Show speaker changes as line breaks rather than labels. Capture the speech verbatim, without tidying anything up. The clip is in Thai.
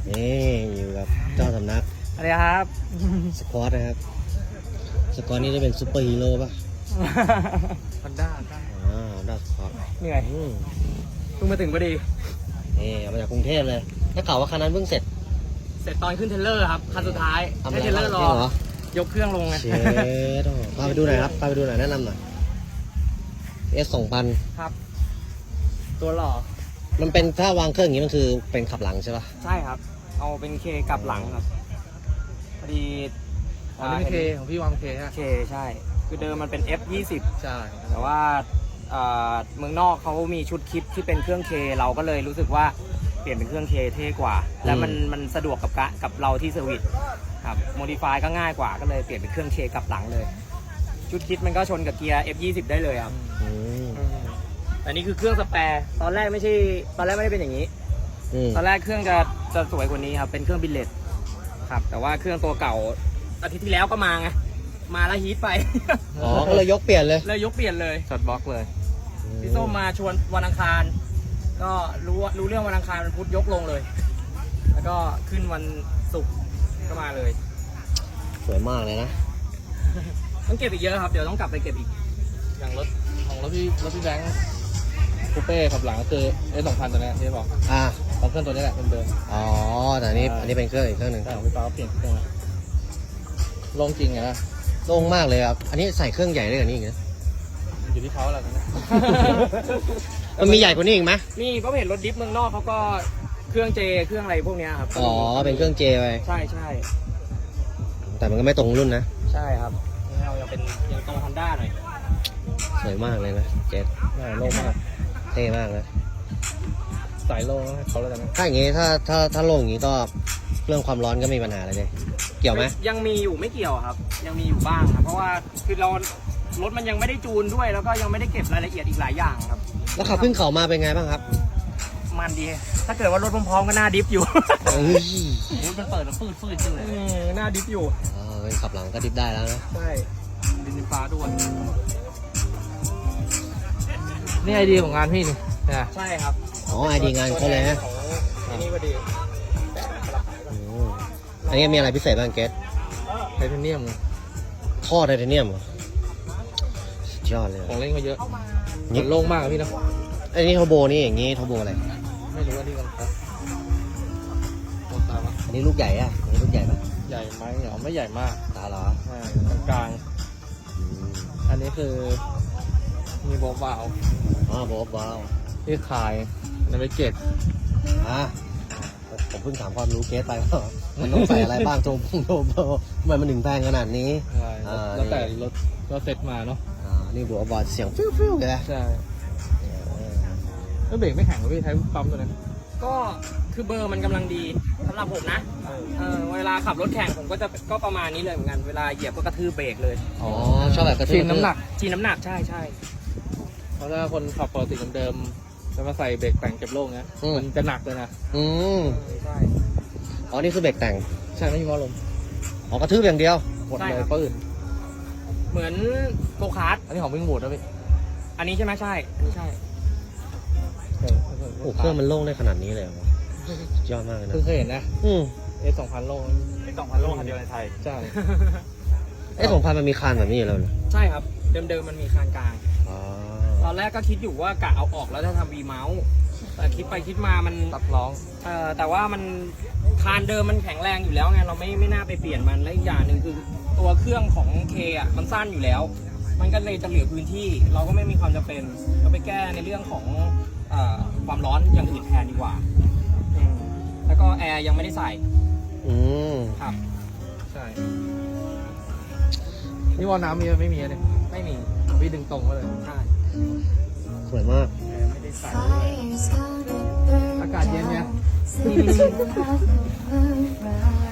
นี่อยู่กับเจ้าสำนัก
อะไรครับ
สควอตนะครับสควอตนี่จะเป็นซูเปอร์ฮีโร่ป่ะ
ฮอนด้า
อ่าดัสควอต
เหนื่อย
อืม
เพิ่งมาถึงพอดี
นี่เอามาจากกรุงเทพเลยถ้าข่าวว่าคันนั้นเพิ่งเสร็จ
เสร็จตอนขึ้นเทรลเลอร์ครับคันสุดท้าย
ทำอะ
ให้
ไร
เทรลเลอร์รอ
บ้างเหรอย
กเครื่องลงไง
เชดพาไปดูหน่อยครับพาไปดูหน่อยแนะนำหน่อย เอส สองพัน
ครับ ตัวหล่อ
มันเป็นถ้าวางเครื่องอย่างนี้มันคือเป็นขับหลังใช่ป่ะ
ใช่ครับ เอาเป็นเคกลับหลังครับพอดี
อ๋อนี่เป็นเคของพี่วางเคฮะ
เคใช่ คือเดิมมันเป็น เอฟ ยี่สิบ
ใช่
แต่ว่าเอ่อเมืองนอกเขามีชุดคิดที่เป็นเครื่องเคเราก็เลยรู้สึกว่าเปลี่ยนเป็นเครื่องเคเท่กว่า และมันมันสะดวกกับกะกับเราที่เซอร์วิสครับโมดิฟายก็ง่ายกว่าก็เลยเปลี่ยนเป็นเครื่องเคกลับหลังเลย ชุดคิดมันก็ชนกับเกียร์ เอฟ ยี่สิบ ได้เลยครับ
อืม
แต่นี่คือเครื่องสแปร์ตอนแรกไม่ใช่ตอนแรกไม่ได้เป็นอย่างนี้
อืม
ตอนแรกเครื่องจะจะสวยกว่านี้ครับเป็นเครื่องบิลเลตครับแต่ว่าเครื่องตัวเก่าอาทิตย์ที่แล้วก็มาไงมาแล้วฮีทไป
อ๋อก็เลยยกเปลี่ยนเลย
เลยยกเปลี่ยนเลย
ช็อตบล็อกเลย
พี่ส้มมาชวนวันอังคาร ก็รู้ว่ารู้เรื่องวันอังคารวันพุธยกลงเลย แล้วก็ขึ้นวันศุกร์ก็มาเลย
สวยมากเลยนะ
ต้องเก็บอีกเยอะครับเดี๋ยวต้องกลับไปเก็บอีก
อย่างรถของรถพี่รถพี่แบงค์คูเป้ขับหลังก็คือเอสสองพันตัวนี้ที่บอก
อ่า
ของเครื่องตัวนี้แหละเดิม
อ๋อแต่อันนี้อันนี้เป็นเครื่องอีกเครื่องหนึ่ง
ๆใช่ของพี่ป๊าเปลี่ยนเครื่องแล้วลงจริงไงนะ
โล่งมากเลยครับอันนี้ใส่เครื่องใหญ่ได้กว่านี้อีกนะ
อยู่ที่เขาแหละนะ
มันมีใหญ่กว่านี้อีกไหม
นี่ก็เห็นรถดิฟเมืองนอกเขาก็เครื่องเจเครื่องอะไรพวกเนี้ยครับ
อ๋อเป็นเครื่องเจไป
ใช่ใช่
แต่มันก็ไม่ตรงรุ่นนะ
ใช่ครับนี่เรายังเป็นยังตรงฮอนด้าหน่อย
สวยมากเลยนะเจส
ใช่โล่งมาก
เท่มากนะ
สายโล่งให้เขาแล้วกันนะ
ถ้าอย่างงี้ถ้าถ้าถ้าโล่งอย่างงี้ก็เรื่องความร้อนก็ไม่มีปัญหาอะไรเลยเกี่ยวไหม
ยังมีอยู่ไม่เกี่ยวครับ ยังมีอยู่บ้างครับเพราะว่าคือเรารถมันยังไม่ได้จูนด้วย แล้วก็ยังไม่ได้เก็บรายละเอียดอีกหลายอย่างครับ
แล้วขับขึ้นเขามาเป็นไงบ้างครับ
มันดี ถ้าเกิดว่ารถพร้อมๆก็หน้าดิฟอยู่
เอ้ย
มันเปิดแล้วฟืดฟืดขึ้นเลย
หน้าดิฟอยู่
อ๋อเป็นขับหลังก็ดิฟได้แล้วนะ
ใช่
ดินฟ้าด้วยนี่ไอเดียของงานพี่นี่นะ
ใช่ครับ
อ๋อไอดีงานเขาเลยนะ
ของไอ้นี่พอดี
อืมอันนี้มีอะไรพิเศษบ้างเกส
ไทเทเนียม
ท่อไทเทเนียมเหรอสุดยอดเลย
ของเล่นก็เยอะ
นี่
มันโล่งมากอะพี่นะ
อันนี้โทโบนี่อย่างงี้โทโบอะไร
ไม่รู้ว่านี่กันครับมองตามะ
อันนี้ลูกใหญ่อะอันนี้ลูกใหญ่ปะ
ใหญ่ไหมเหรอไม่ใหญ่มาก
ตาเหรอ
ใช่กลาง
อืม
ๆอันนี้คือมีโบว์บาว
อ๋อโบบว้าว
ที่ขายในเวเกต
อ่ะผมเพิ่งถามความรู้เกสไปว่ามันต้องใส่อะไรบ้างโทโบโทโบทำไมมันถึงแพงขนาดนี้
ใช่
อ่า
แล้วแต่รถก็เซ็ตมาเนาะ
อ่านี่บัวบอลเสียงฟิวฟิวเลยนะ
ใช่แล้วเบรกไม่แข็งเหรอพี่ใช้ปั๊มตัวนั้น
ก็คือเบอร์มันกำลังดีสำหรับผมนะเออเวลาขับรถแข่งผมก็จะก็ประมาณนี้เลยเหมือนกันเวลาเหยียบก็กระทืบเบรกเลย
อ๋อชอบแบบกระทืบ
ชินน้ำหนัก
จีนน้ำหนักใช่ใช่
เพราะถ้าคนขับปกติเดิมๆแล้วมาใส่เบรกแต่งเก็บโล่งเนี้ยมันจะหนักเลยนะ
อืม
ใช่
อ๋อนี่คือเบรกแต่ง
ใช่ไม่มีหมอลม
อ๋อกระทืบอย่างเดียว
หมดเลยปื้น
เหมือนโกคาร์ท
อันนี้ของวิ่งบูดนะพี่
อันนี้ใช่ไหมใช่อันนี้ใช่
โอ้เครื่องมันโล่งได้ขนาดนี้เลยเหรอสุดยอดมากเลยนะ
เพิ่งเคยเห็นนะ
อืม
เอสสองพันโล่ง
เป็นสองพันโลคันเดียวในไทย
ใช่
ไอ้สองพันมันมีคานแบบนี้อยู่แล้วเหรอ
ใช่ครับ เดิมๆมันมีคานกลาง
อ๋อ
ตอนแรกก็คิดอยู่ว่ากะเอาออกแล้วจะทำวีเมาส์แต่คิดไปคิดมามัน
ตัดร้อง
เอ่อแต่ว่ามันคานเดิมมันแข็งแรงอยู่แล้วไงเราไม่ไม่น่าไปเปลี่ยนมันและอีกอย่างหนึ่งคือตัวเครื่องของเคอ่ะมันสั้นอยู่แล้ว มันก็เลยจะเหลือพื้นที่ เราก็ไม่มีความจำเป็นก็ไปแก้ในเรื่องของเอ่อความร้อนอย่างอื่นแทนดีกว่าอืมแล้วก็แอร์ยังไม่ได้ใส่
อืม
ครับ
ใช่นี่วอลน้ำมีไหมไม่มีเลย
ไม่มี
พี่ดึงตรงก็เลย
ใช่
สวยมาก
แอร์ไม่ได้ใส่
อากาศเย็นเนี่ย